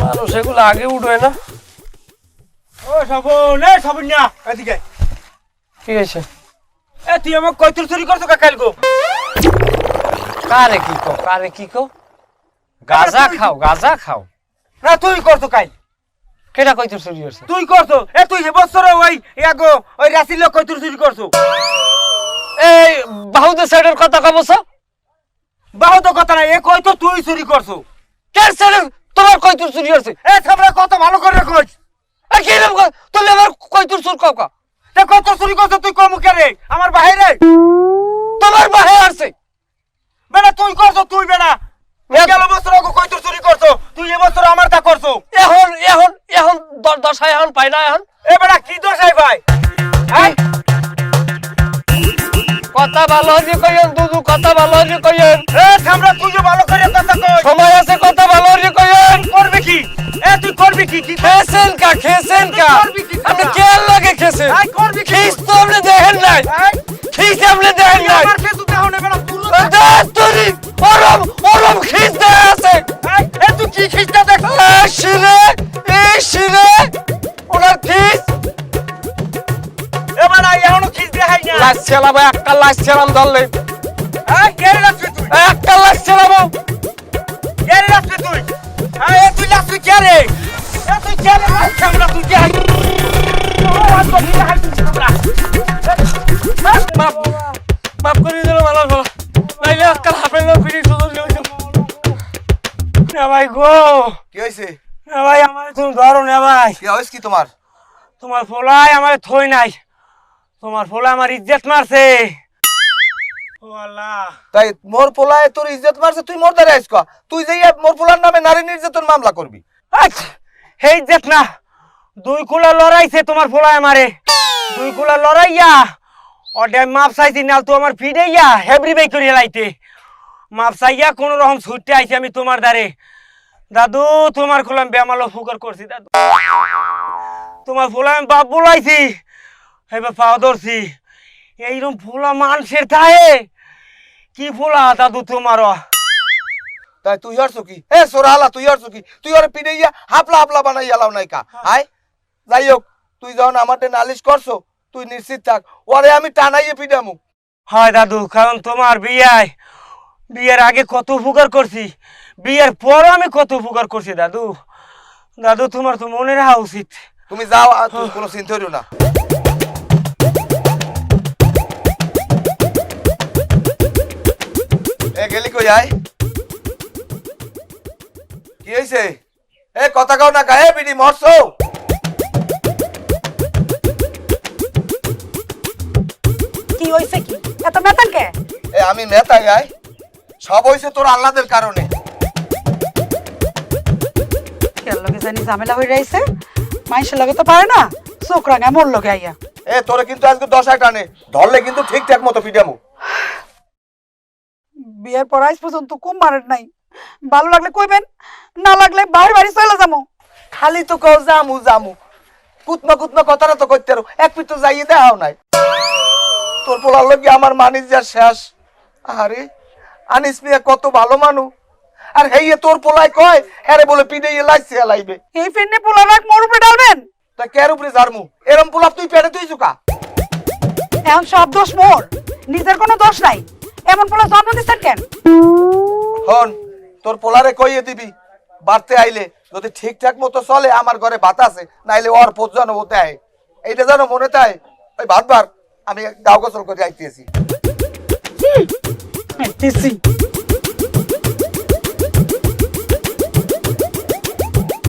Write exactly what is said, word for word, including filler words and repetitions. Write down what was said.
মানুষ এগুলো আগে উঠবে না। ও সবন এ সবন না এদিকে কি হয়েছে? এ তুই আমাক কয়তুর চুরি করছো কা কালগো? কারে কি কো কারে কি কো? গাঁজা খাও গাঁজা খাও। না তুই করছো কাল। কেডা কয়তুর চুরি করছে? তুই করছো। এ তুই এ বছর ওই ইয়াগো ওই রাসিল লোক কয়তুর চুরি করছো? এই বাহুদের সাইডের কথা কবছ? বাহু তো কথা নাই, এ কয়তো তুই চুরি করছো। কে সাইডের তোমার কয়তুর চুরি হইছে? এ সামনে কত ভালো করে কইছ। এ কি নাম কয়? তুমি আমার কয়তুর চুর কও কা? তে কত চুরি করছো তুই কম করে? আমার বাইরে তোমার বাহে আসছে। বেটা তুই করছো তুই বেটা। গেল বছর আগে কয়তুর চুরি করছো, তুই এ বছর আমার তা করছো। এখন এখন এখন দশায় এখন পাই না এখন। এ বেটা কি দোষাই ভাই? হ্যাঁ কথা ভালো হইছে কইেন দুদু, কথা ভালো হইছে কইেন। এ সামনে তুই যে ভালো করে কথা কই। সময় আছে, কথা ভালো হইছে কইেন। করবে কি? এ তুই করবি কি? কি খেছেন কা খেছেন কা? আপনি কে লাগে খেছেন? আই করবি কি? খিস তো আপনি দেখেন নাই। এই খিস আপনি দেখেন নাই। আমার ফেসু দেও না বেটা পুরো। দাতুরি ওরম ওরম খিস দেয়া আছে। এই এ তুই কি খিস্তা দেখ? এই শিরে এই শিরে ওনার খিস এ বেটা এখনো খিস দেখাই না। লাশ চালাবো, একটা লাশ চালাম ধরলে। এই কে রাখছিস তুই? একটা লাশ চালাবো। কে রাখছিস তুই? এই এ তুই রাখছিস কে রে? এ তুই কে রে? সামনে তুই কে? ও আজ তো দেখাই তুই সামনে। মাপ মাপ করে দিল ভালো ভালো। নাইলে আজকাল হাফে না ফিরি সুযোগ দিয়েছো। না ভাই গো, কি হয়েছে? না ভাই আমার তুমি ধরো না ভাই। কি হয়েছে কি তোমার? তোমার ফলাই আমার থই নাই। তোমার ফলা আমার ইজ্জত মারছে। ও আল্লাহ। তাই মোর পোলায় তোর ইজ্জত মারছে, তুই মোর দ্বারা আইস ক। তুই যেই মোর পোলার নামে নারী নির্যাতন মামলা করবি। আচ্ছা হে ইজ্জত না, দুই কুলা লড়াইছে তোমার ফলাই আমারে। দুই কুলা লড়াইয়া ওডে মাপ চাইছি না তো আমার ফিডাইয়া হেবরি বাই করে লাইতে। মাপ চাইয়া কোন রকম ছুটতে আইছি আমি তোমার দ্বারে। দাদু তোমার খোলাম বেমালো ফুকার করছি দাদু। তোমার ফোলা আমি বাপ বলাইছি, এবার পাও ধরছি। এইরকম ফোলা মানুষের থাহে কি ফোলা দাদু তোমার? তাই তুই হরছো কি? এ সোরালা তুই হরছো কি? তুই ওরে পিড়াইয়া হাপলা হাপলা বানাই এলাও নাই কা? আয় যাই হোক, তুই যখন আমাদের নালিশ করছো তুই নিশ্চিত থাক, ওরে আমি টানাইয়ে পিডামু। হয় দাদু, কারণ তোমার বিয়ায় বিয়ের আগে কত উপকার করছি, বিয়ের পরও আমি কত উপকার করছি দাদু। দাদু তোমার তো মনে রাখা উচিত। তুমি যাও, আর তুমি কোনো চিন্তা করিও না। এ গেলি কই? আয় কি হয়েছে? এ কথা কও না কা? এ বিডি মরছো? কি হইছে কি? এত মেতান কে? এ আমি মেতাই আয়, সব হয়েছে তোর আল্লাদের কারণে। কেন লগে জানি ঝামেলা হই রাইছে? মাইশের লগে তো পারে না, চোখ রাঙা মোর লগে আইয়া। এ তোরে কিন্তু আজকে দশায় টানে ধরলে কিন্তু ঠিকঠাক মতো পিটামু। বিয়ের পর আজ পর্যন্ত কম মারের নাই। ভালো লাগলে কইবেন, না লাগলে বাহির বাড়ি চলে যাবো। খালি তো কও জামু জামু, কুতমা কুতমা কথাটা তো কইতে আরো এক পিঠ তো যাইয়ে দেওয়াও নাই। তোর পোলার লগে আমার মানিস যা শেষ। আরে আনিস মিয়া কত ভালো মানু, আর হেইয়ে তোর পোলায় কয় হ্যারে বলে পিঠে লাইছে লাইবে। এই ফেন্নে পোলা রাখ মোর উপরে ডালবেন? তা কের উপরে জারমু? এরম পোলাপ তুই পেটে তুই চুকা। এখন সব দোষ মোর, নিজের কোনো দোষ নাই। এমন পোলা জন্ম দিচ্ছেন কেন? হন তোর পোলারে কইয়ে দিবি, বাড়তে আইলে যদি ঠিকঠাক মতো চলে আমার ঘরে ভাত আছে, নাইলে ওর পোত যেন হতে আয়। এইটা যেন মনে তাই ওই ভাতবার আমি গাও গোসল করে আইতেছি। আইতেছি।